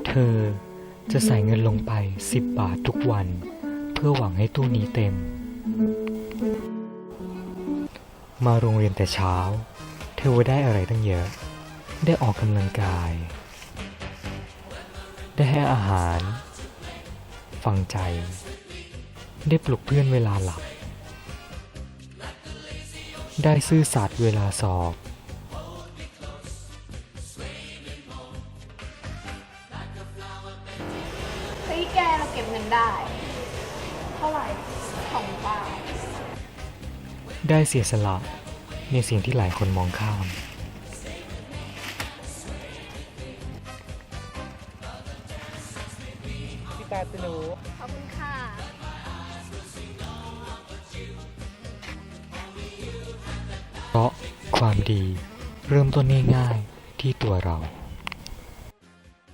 เธอจะใส่เงินลงไป10 บาททุกวันเพื่อหวังให้ตู้นี้เต็มมาโรงเรียนแต่เช้าเธอได้อะไรตั้งเยอะได้ออกกำลังกายได้ให้อาหารฟังใจได้ปลุกเพื่อนเวลาหลับได้ซื่อสัตย์เวลาสอบเฮ้ยแกเราเก็บเงินได้ เท่าไหร่2 บาทได้เสียสละในสิ่งที่หลายคนมองข้ามพี่ตาตนูขอบคุณค่ะเพราะความดีเริ่มต้นง่ายๆที่ตัวเรา